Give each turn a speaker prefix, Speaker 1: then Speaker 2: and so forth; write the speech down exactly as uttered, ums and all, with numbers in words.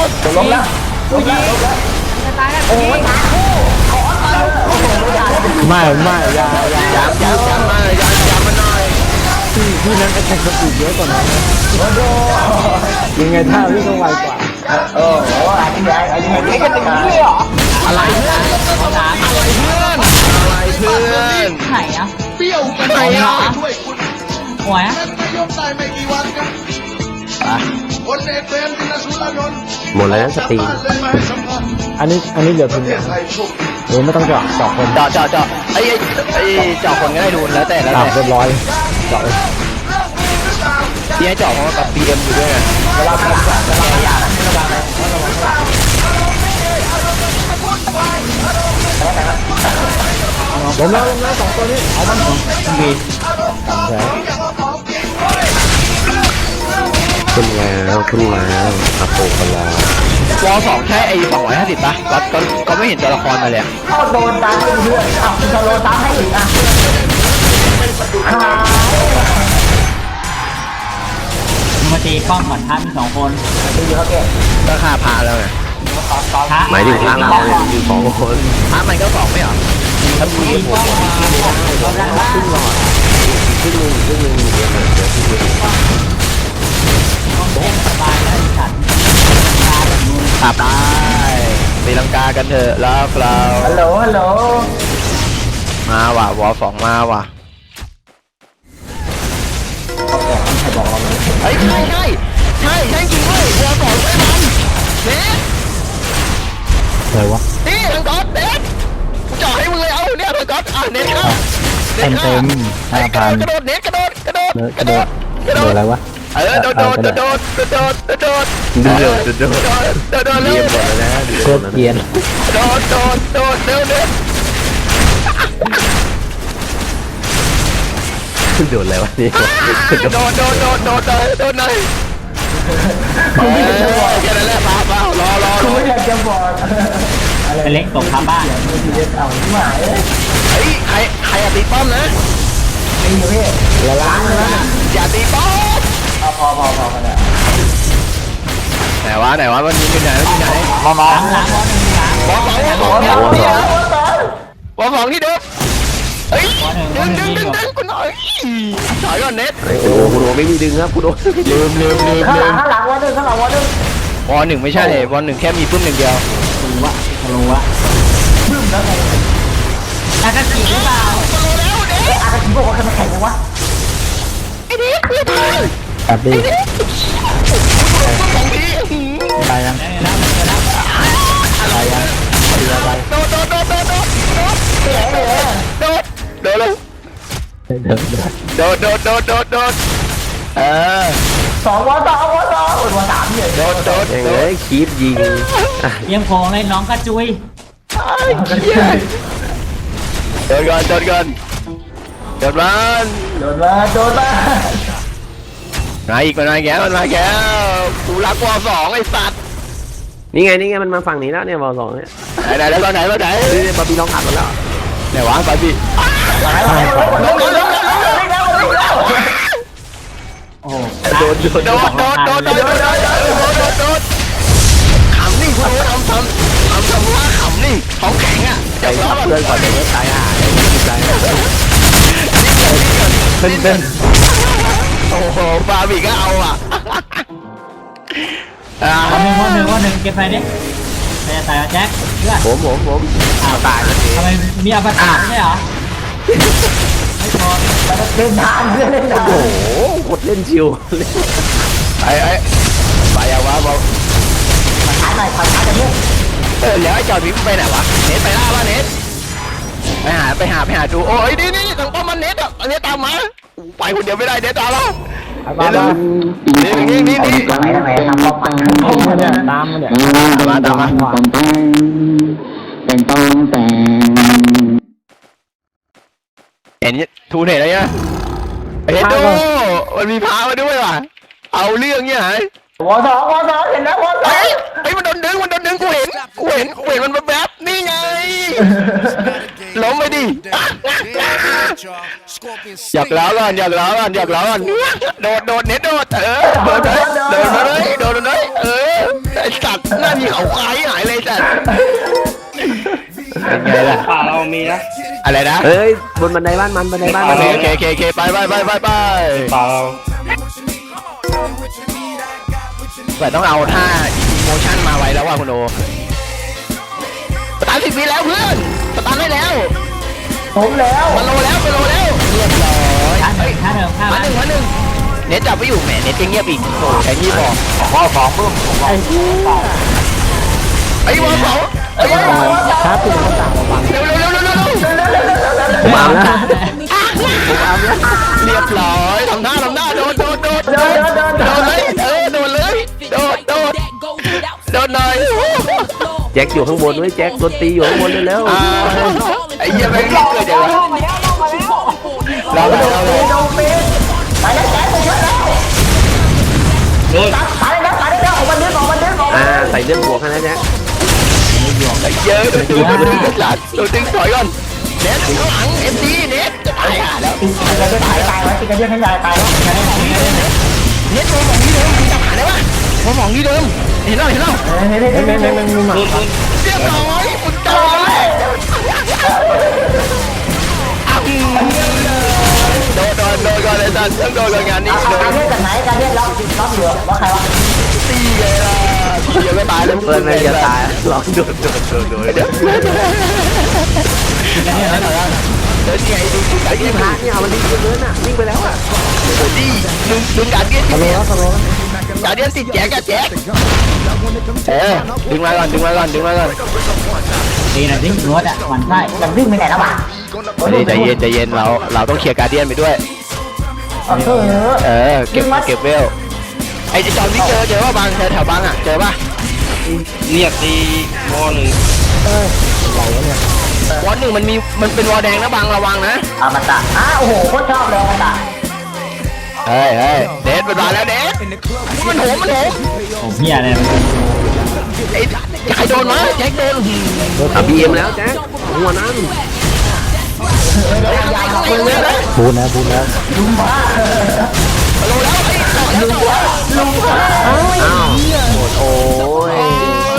Speaker 1: จะล้มแล้วล้มแล้วล้มแล้ว
Speaker 2: จะตายแล้ว
Speaker 1: โอ้ยตายคู่ขอตายโอ้โหไม่ได้
Speaker 3: ไม่ไม่ยาอยา
Speaker 4: ย้ำย้ำย้ำมาย้ำย้ำมาหน่อย
Speaker 3: พี่พี่นั้นแอคแท็กสปีดเยอะกว่านั้นนะ
Speaker 1: โอ้โห
Speaker 3: ยังไงถ้าพี่ต้องไวกว่า
Speaker 1: โอ้โหอันนี้ไงอันนี้ไงนี่กันอย่างนี้เหรอ
Speaker 4: อะไรเพื่อน
Speaker 2: เขาถาม
Speaker 4: อะไรเพื่อนอะไรเพื่อน
Speaker 2: ไหนอ่ะ
Speaker 5: เปรี้ยวไป
Speaker 4: ไหนอ่ะ
Speaker 5: ช่วยคุณ
Speaker 2: หัวอ่ะ
Speaker 5: เป็นนายกได้ไม่กี่วันครับพลเอกเบรมตินสุรานนท์
Speaker 4: หมดแล้วนะสตรี
Speaker 5: เลยมาให้สัมภาษณ์
Speaker 3: อันนี้อันนี้เหลือ
Speaker 5: ป
Speaker 3: ทุ
Speaker 5: ระ
Speaker 3: น
Speaker 5: เทศไทยโชคดี
Speaker 3: เออไม่ต้องเจาะเจาะคน
Speaker 4: เจาะเจาะเจาะไอ้ไอ้เจาะคนก็ได้ดูแล้วแต่แล้ว
Speaker 3: ตาม
Speaker 4: แต่
Speaker 3: เรียบร้อยเจาะเลย
Speaker 4: ที่ให้เจาะเพราะว่ากับปีเอ็มอยู่ด้วยไง
Speaker 1: เวลาคนจับเวลาอยากระวังเลยระวังเลย
Speaker 3: ล้มแล้วล้มแล้วสองตัวนี้เอามันดีตามแผน
Speaker 4: ขึ้นแล้วขึ้นแล้วอาโปกันแล้ววอลสองใช่ไอ้สองร้อยห้าสิบป่ะก็ก็ก็ไม่เห็นตัวละครมาเลย
Speaker 1: เข้าโดนตามเพื่อนอ่ะคุณจะโดนตามให้อีกอ่ะ
Speaker 2: มาตีป้อมก่อนท่านมีสองคน
Speaker 1: ดูเขาแก่
Speaker 4: ก็ค่าพาแล้วไง
Speaker 2: พระ
Speaker 4: หมายถึงพาเราอยู่สองคนพามันก็สองไม่เหรอถ้ามี
Speaker 2: ตีป้อมมาเขาด้านล่าง
Speaker 4: ขึ้นหลอดขึ้นหนึ่งขึ้นหนึ่งเดี๋ยวเดี๋ยวขึ้นหนึ่ง
Speaker 2: ป้อมเล่นสบายแล้วฉันตาแบบนู้น
Speaker 4: ขับได้ตีลังกากันเถอะแล้วเรา
Speaker 1: ฮัลโหลฮัลโหล
Speaker 4: มาว่ะวอลสองมาว่ะเฮ้ยใช่ใช่ใช่ใช่จริงด้วยวอลสองใช่มันเน็ต
Speaker 3: อะไรวะ
Speaker 4: นี่ทางก๊อตเน็ตจ่อให้มึงเลยเอาเนี่ยทางก๊อตอ่ะเน็ตเข้า
Speaker 3: เต็มเต็มห้าพัน
Speaker 4: กระโดดเน็ตกระโดดกระโดด
Speaker 3: กระโดดกระโดดอะไรวะ
Speaker 4: เออโดดโดดโดดโดดโดดโดดโดดโดดโดดโดดโดดโดดโดดเร็ว
Speaker 3: โคตรเกรียน
Speaker 4: โดดโดดโดดเร็วเร็วโดดอะไรวะนี่โดดโดดโดดโดดโดดโดดหน่อยแค่นั้นแหละป้าป้ารอรอ
Speaker 1: คุณไม่อยากจะบอก
Speaker 2: เป็นเล็กตกทับบ้าน
Speaker 1: ไม่ดีเอาที่หมาย
Speaker 4: เฮ้ยใครใครอย่าตีป้อมนะ
Speaker 1: ไม่อยู่พี่
Speaker 3: ละล้างแล้วนะ
Speaker 4: อย่าตีป้อม
Speaker 1: เอาพอพอพอกันแล้ว
Speaker 4: ไหนวะไหนวะมันมีที่ไหนที่ไหน
Speaker 1: มองม
Speaker 2: ห
Speaker 1: อง
Speaker 2: ลังหลังวอหนึ่งหลัง
Speaker 4: วอสองวอสอง
Speaker 1: โอ้
Speaker 4: วอสอง
Speaker 1: โห
Speaker 4: ที่เดิมวอสองที่เดิมเฮ้ย
Speaker 2: วอหนึ่งว
Speaker 4: ดึ
Speaker 2: อง หนึ่
Speaker 4: ดึ
Speaker 2: ง
Speaker 4: ง
Speaker 2: นี่
Speaker 4: ดึง
Speaker 2: อยู่
Speaker 4: ดึงกูหน่อยถอยก่อนเน็ต
Speaker 6: โอ้โหคุณโอไม่มีดึงครับคุณโอ
Speaker 4: ลืมลืมลืม
Speaker 1: ข้างห
Speaker 4: ลื
Speaker 1: ลัง
Speaker 4: ม
Speaker 1: ข้างหลังวันหนึ่งข้างหลังวันหนึ่ง
Speaker 4: วอหนึ่งไม่ใช่วอหนึ่งแค่มีปื้มหนึ่งเดียว
Speaker 2: รู้วะรู้วะ
Speaker 1: บึ้มแล้วไง
Speaker 2: แล้วก็จีหรือเปล่า
Speaker 1: เอ๊ะอาการที่บอกว่าใครมาแข่งกันวะ
Speaker 4: ไอ้เน็ตไม่ทัน
Speaker 3: ตัดดิ
Speaker 4: สองที
Speaker 3: ตายยัง
Speaker 2: ได้แล้วได้แล้ว
Speaker 3: ตายยังตีอะไร
Speaker 4: โดดโดดโดดโดดโดด
Speaker 1: เอ๊ะเอ๊ะ
Speaker 4: โดดโดดเลย
Speaker 3: เดินเดิน
Speaker 4: โดดโดดโดดโดดโดดเออ
Speaker 1: สองวันสองวันสองวันสามเนี่ย
Speaker 4: โดดโดด
Speaker 6: ยัง
Speaker 4: โด
Speaker 6: ไง
Speaker 4: ด
Speaker 6: คีบยิงอ่ะ
Speaker 2: เยี่ยมโพงเลยน้องกระจุย
Speaker 4: ไอ้เหี้ยโดดก่อนโดดก่อนโดดมัน
Speaker 1: โดนมาโดนมา
Speaker 4: มาอีกมันมาแก้วมันมาแก้วกูรักวอสองไอ้สัตว์
Speaker 6: นี่ไงนี่ไงมันมาฝั่งนี้แล้วเนี่ยบอลสองเนี่ย
Speaker 4: ไหนไหนแล้วตอนไหนตอนไหน
Speaker 6: นี่เนี่ยบาร์บี้น้องอัดมาแล้ว
Speaker 4: ไหนวะบาร์บี้
Speaker 1: ลงลงลงลงลงลงลง
Speaker 2: โอ้โห
Speaker 6: โดนโดน
Speaker 4: โดดโดดโดดโดดโดดโดดโดดโดดโดดขำนี่คุณโอ๊ตทำทำทำทำว่าขำนี่ท้องแข็งอ่ะ
Speaker 6: ใจทับเพื่อนก่อนเดี๋ยวจะตายห่าใจ
Speaker 3: เต้นเต้น
Speaker 4: โอ้โหบาร์บี้ก็เอาอ่ะอ่า
Speaker 2: วันหนึ่งวันหนึ่งวันหนึ่งเก็บไปดิไม่จะตายแจ็คเพื่อน
Speaker 6: ผมผมผม
Speaker 2: อ้าว
Speaker 6: ตายแล้วสิ
Speaker 2: ทำไมมีอวตารไม่ใช่เหรอไม่พอ
Speaker 1: เล่นนานเล่นนาน
Speaker 6: โอ้โหกดเล่นชิว
Speaker 4: ไอ้ไอ้ไปอะวะบอก
Speaker 1: ช้าหน่อยช้าช้าจะเนี่ย
Speaker 4: เออแล้วไอ้จอดพิมไปไหนวะเน็ตไปล่าป่ะเน็ตไปหาไปหาไปหาดูโอ้ยนี่นี่ทางป้อมมันเน็ตอ่ะเน็ตตามมาไปคนเดียวไม่ได้เน็ตตามเรา
Speaker 3: มา
Speaker 4: เน็ต
Speaker 3: บ้า
Speaker 4: นี่นี่นี่นี่
Speaker 1: ทำไมทำไมทำป้องกัน
Speaker 3: มาเนี่ยตามมาเนี่ย
Speaker 4: ตามมาตามมา
Speaker 7: เป็นต้องแต่ง
Speaker 4: เห็นทูเห็นอะไรเนี่ยเห็นดูมันมีพามาด้วยว่ะเอาเรื่องเนี่ยหายว
Speaker 1: อสองวอสองเห็นแล้ววอสอ
Speaker 4: เฮ้
Speaker 1: ง
Speaker 4: ยเฮ้ยมันโดนดึงมันโดนดึงกูเห็นกูเห็นกูเห็นมันแบบนี่ไงล้มไปดิอยากแล้วก่อนอยากแล้วก่อนอยากแล้วก่อนโดดโดดเน็ตโดดเออโดดเลยโดดเลยโดดเลยเออไอ้อ้สัตว์หน้ามีเขาคล้ายหายเลยสัตว์เป็นไงล่ะ
Speaker 3: ป่าเรามีนะ
Speaker 4: อะไรนะ
Speaker 6: เฮ้ยบนบันไดบ้านมันบันไดบ้าน
Speaker 4: โอ
Speaker 6: มัน
Speaker 4: เคโอเคโอเคโอเคไปไปไปไปไป
Speaker 3: ป่าเรา
Speaker 4: แต่ต้องเอาท่าโมชั่นมาไว้แล้วว่าคุณโอสตาร์ทสิบวิแล้วเพื่อนสตาร์ทได้แล้ว
Speaker 1: ผมแล้ว
Speaker 4: มาโลแล้วมาโลแล้วเรียบร้อย
Speaker 2: ท่าหนึ่งท่าหนึ่งท่า
Speaker 4: มาหนึ่งมาหนึ่งเน็ตจับไม่อยู่แหมเน็ตยังเงียบอีกโอ้แค่นี้บอก
Speaker 1: ข้อสองเพิ่มผมบอก
Speaker 4: ไอ้บอลเขาไอ้บอลเขา
Speaker 6: ครับคุณต้องสั่งระวัง
Speaker 4: เร็วเร็วเร็วเร็วเร็ว
Speaker 6: ผมเอานะ
Speaker 4: เรียบร้อยทำท่าทำท่าโดดโดดโดดโดดโดดเลยเออโดดเลยโดดโดดโดดหน่อย
Speaker 6: แจ็คอยู่ข้างบนด้วยแจ็คโดนตีอยู่ข้างบนเร็ว
Speaker 4: อ่าไอ้เหี้ยแม่งเกิดจังวะเราเลยเราเลย
Speaker 1: โดนปีไปแล้วแจ๊คไปช่วยแล้ว
Speaker 3: โดน
Speaker 1: ตายแล้วตายแล้วออกมาดึงออกมาดึงออก
Speaker 6: ๆอ่าใส่เลือดบวกให้นะแจ็ค
Speaker 4: ไอ้เหี้ยโดดดึงโดดดึงหลังโดดดึงถอยก่อนเน็ตข้างหลังเอ็มดีเน็ตจะตายอ่ะแล้ว
Speaker 1: ตีกันจะตายตายแล้วตีกันเยอะทั้งยายตายแล้ว
Speaker 4: เน็ตโดนของที่เดิมมึงจะหาได้ปะโดนของที่เดิมเห็นแล้วเห็นแล้ว
Speaker 1: เฮ้ยเฮ้ยเฮ้ยเฮ้ยเฮ้ยเฮ้ย
Speaker 3: โดนโดน
Speaker 4: เรียบร้อยมึงจอเลยโดนโดนโดนก่อนเลยสัตว์ต้องโดนก่อนงานนี้โด
Speaker 1: การ
Speaker 4: น
Speaker 1: เรียกจากไหนการเรียกล็อกล็อกเหลือว่าใครวะ
Speaker 4: ตีเลยล่ะตียังไม่ตายเลย
Speaker 6: เพื่อนไม่จะตายลองโดนโดนโดนโดนเดี๋ยว
Speaker 4: เดี๋ยวนี่ไอ้ดูไอ้
Speaker 6: ไอ้
Speaker 4: ที่
Speaker 6: ที่
Speaker 4: พา
Speaker 6: พาเนี่ยมันดิ้นเกินอ่ะวิ่งไปแล้วอ่ะ
Speaker 4: โอ้ดีดึงดึงการเดียนติดแจ๊กการเดียนติดแจ๊กกับแจ๊กเออดึงมาก่อนดึงมาก่อนดึงมาก่อน
Speaker 2: ดีนะดิ้งรถอ่ะหมันไส้
Speaker 1: มันวิ่งไปไหนแล้ววะ
Speaker 4: ใจเย็นใจเย็นเราเราต้องเคลียร์การเดียนไปด้วย
Speaker 1: เออ
Speaker 4: เออเก็บเก็บเวลไอ้จอมที่เจอเจอว่าบางแถวแถวบางอ่ะเจอป่ะ
Speaker 3: เนี่ยตีวอหนึ่ง
Speaker 4: วอลหนึ่งมันมีมันเป็นวอลแดงนะบางระวังนะ
Speaker 1: อามาตะอ้าโอ้โหโคตรชอบเลยอามาตะ
Speaker 4: เฮ้ยเฮ้ยเดทมันมาแล้วเดทมันโหมมันโหม
Speaker 2: ผมเฮียเลย
Speaker 4: ไอ้ใครโดนมาแจ็คโดน
Speaker 6: ตับบีเอ็มแล้วแจ็คหัวนั้น
Speaker 4: มึงเลยนะ
Speaker 6: พูดนะพูดแล้ว
Speaker 4: ลงแล้วไอ้ลุงวะลุงวะ
Speaker 6: อ้าวโอ้ย